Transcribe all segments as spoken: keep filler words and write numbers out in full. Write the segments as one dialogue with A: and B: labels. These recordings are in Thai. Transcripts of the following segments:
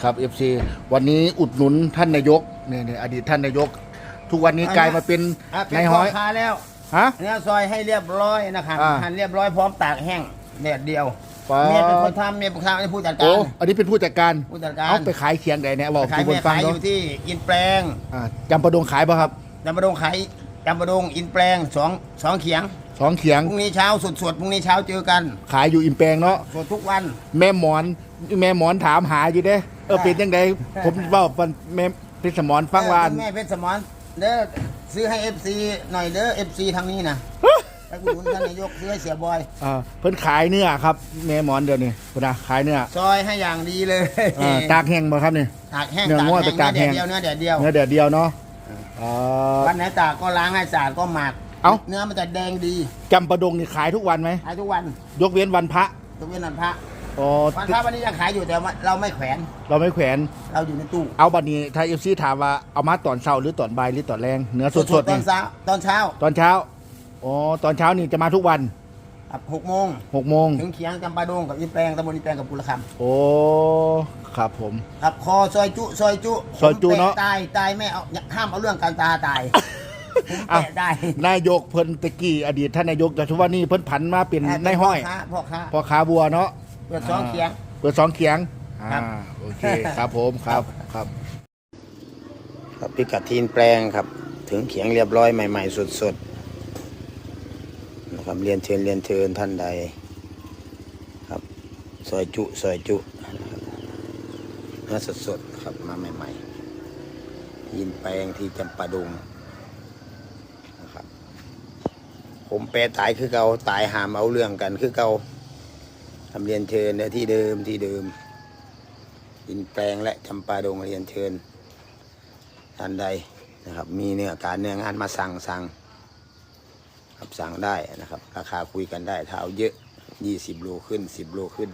A: ครับ เอฟ ซี วันนี้อุดหนุนท่านนายกเนี่ยอดีตท่านนายกทุกวันนี้กลายมาเป็นนายห้อย
B: คาแล้ว
A: ฮะ
B: เนี่ยซอยให้เรียบร้อยนะครับหั่นเรียบร้อยพร้อมตากแห้งแดดเดียวเมียเป็นคนทำเมียเป็นคนทำเป็นผู้จัดการ
A: โอ้อันนี้เป็นผู้จัดการ
B: ผู้จัดการ
A: เอาไปขายเคียงใดเนี่ยบอก
B: ขาย
A: ทุกคนฟัง
B: ขายอ
A: เนาะ
B: ยู่ที่อินแปลง
A: อ่าจำปาดงขายป่ะครับ
B: จำปาดงขายจำปาดงอินแปลงสองสองเขียง
A: สองเขียง
B: พรุ่งนี้เช้าสดๆพรุ่งนี้เช้าเจอกัน
A: ขายอยู่อิมแปลงเนาะ
B: สดทุกวัน
A: แม่หมอนแม่หมอนถามหาอยู่เด้เออเป็นยังไงผมเว่าเป็นแม่เป็นสมอนฟังวาน
B: แม่เพชรสมรเด้อซื้อให้เอฟซีหน่อยเด้อเอฟซีทางนี้นะไปอุดหนุนท่านนายกซื้อให้เสียบอย
A: อ่าเพิ่นขายเนื้อครับแม่หมอนเดี๋ยวนี้พุ่นนะขายเนื้อ
B: ซอยให้อย่างดีเลย
A: อ่าตากแห้งบ่ครับนี่
B: ตากแห้ง
A: เนื้อ
B: ตาก
A: ง้อยไป
B: แห้ง
A: ตากแห้ง
B: เนื้อแดดเดียว
A: เนื้อแดดเดียวเนาะอ่า
B: วันไหนตากก็ล้างให้สะอาดก็หมัก
A: เอ้า
B: เนื้อมันจะแดงดี
A: จำปาดงนี่ขายทุกวันไหม
B: ขายทุกวัน
A: ยกเว้นวันพระ
B: ทุกวันวันพระ
A: อ๋อ
B: วันพระวันนี้ยังขายอยู่แต่ว่าเราไม่แขวน
A: เราไม่แขวน
B: เราอยู่ในตู้
A: เอาบัดนี้ถ้าเอฟซีถามว่าเอามาตอนเช้าหรือตอนบ่ายหรือตอนแรงเนื้อสดๆ
B: ตอ
A: นี่
B: นเช้าตอนเช้า
A: ตอนเช้าอ๋อตอนเช้านี่จะมาทุกวัน
B: ครับหกโมง
A: หกโมง
B: ถึงเขียงจำปาดงกับอินแปลงตำบลอินแปลงกับปุระค
A: โอ้ครับผม
B: ำครับคอซอยจุซอยจุ
A: ซอยจุเนอะ
B: ผมปตายตายไม่เอาห้ามเอาเรื่องการตาตายผมแปะได้
A: นายกเพิ่นตะกี้อดีตท่านนายกแต่ทุกวันนี้เพิ่นผันมาเป็นนายห้อย
B: พ่อค้า
A: พอขาบัวเนาะ
B: เปิดสองเขียง
A: เปิดสองเขียง
B: ครับ
A: อ่าโอเคครับผมครับครับ
B: ครับพิกัดทีนแปลงครับถึงเขียงเรียบร้อยใหม่ๆสดๆนะครับเรียนเชิญเรียนเชิญท่านใดครับซอยจุซอยจุนะครับเนื้อสดๆครับมาใหม่ๆทีนแปลงที่จำปาดงนะครับผมแปรตายคือเก่าตายหามเอาเรื่องกันคือเก่าทำเรียนเชิญในที่เดิมที่เดิมทีนแปลงและจำปาดงเรียนเชิญท่านใดนะครับมีเนื้อการเนื้องานมาสั่งสั่งครับสั่งได้นะครับราคาคุยกันได้ถ้าเอาเยอะยี่สิบโลขึ้นสิบโลขึ้น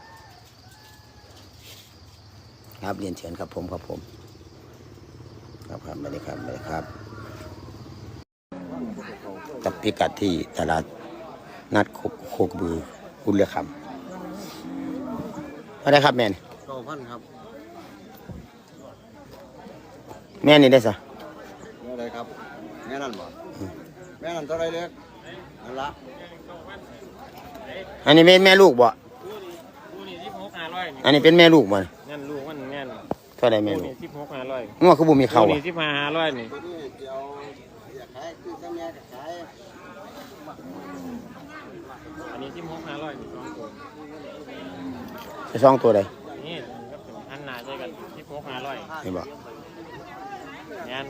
B: ครับเรียนเชิญครับผมครับผมครับครับไม่ได้ครับไม่ได้ครับกับพิกัดที่ตลาดนัดโคโคกบือคุณเลือกคำไม่ได้ครับแม่น
C: สองพันครับ
B: แม่นี่ได้สะ
C: แม่อะไรครับแม่นั่นบ่แม่นั่นเท่าไรเล็กนั่นละ
B: อันนี้แม่แม่ลูกบ่
D: กูนี่สิบหกห้าร้อยนี่
B: อันนี้เป็นแม่ลูกบ่
D: งั้นลูกมันงั้น
B: เท่าไร
D: กู
B: แม่ลู
D: นี่
B: ก
D: สิบหกห้าร้อย
B: งัวคือบ่มี
D: กู
B: เข้า
D: นี่
B: อ่ะ
D: สิบห้าห้าร้อยนี่
C: ตัวนี้เดี๋ยวอยากขายคือถ้าแม่ก็ขาย
D: อันนี้สิบหกห้าร้อยนี่สองตัว
B: จะสองตัวใด
D: นี่ก็เป็นอันหนาใช่กันสิบหกห้าร้อย
B: เห็นบ่
D: งั้น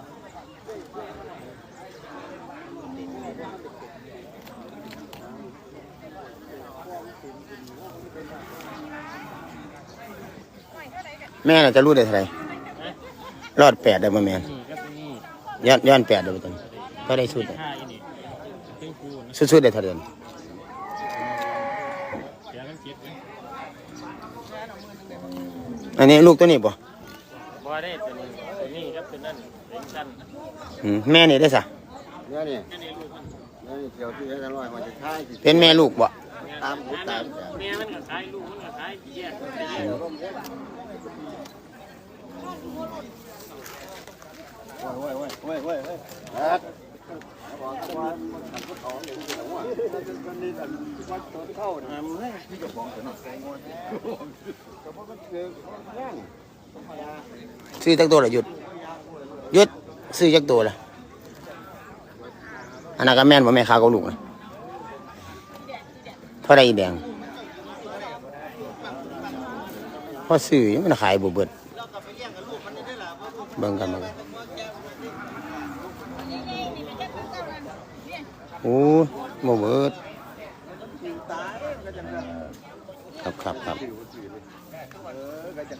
B: แม่น่ะจะรู้ได้เท่าไหร่รอดแปดได้บ่แม่น
D: นี่ก็เป็นนี่
B: ย้อนย้อนแปดได้บ่ตอนนี้ก็ได้สุด
D: ค่าอีนี่ซึ่งกูนะ
B: สุดๆได้เท่าเดิม
D: เสียกันคิดเลย
B: อันนี้ลูกตัวนี้บ่
D: บ่ได้ตัวนี้ตัวนี้ก็เป็นนั่นเป็นสั้น
B: อืมแม่นี่ได้ซะ
C: แม่นี่
D: แค่นี้ลูกมัน
C: แม่นี่เกี่ยวที่ให้กันร้อยมันจะขายสิ
B: เป็นแม่ลูกบ่
C: ตามหูตามแขน
D: แม่มันก็ขายลูกมันก็ขายแยกกันไปแยก
C: โอ้ยโอ้ยโอ้ยโอ้ยโอ้ยครับบอกว่ามันขัดพุทธของอย่างนี้เหรอวะมันนี่อันวัดตัวเข้าทำให้ที่จะบอกถึงแสงวันแต่ว่ามันคือแย่ง
B: ซื้อจักตัวละหยุดหยุดซื้อจักตัวละอันนั้นก็แม่นบ่แม่ค้ากับลูกนะเท่าใดอีแดงพอซื้อยังมันขายบ่เบิดเบิ่งกันเบิ่งกันโอ้บ่เบิดครับครับครับ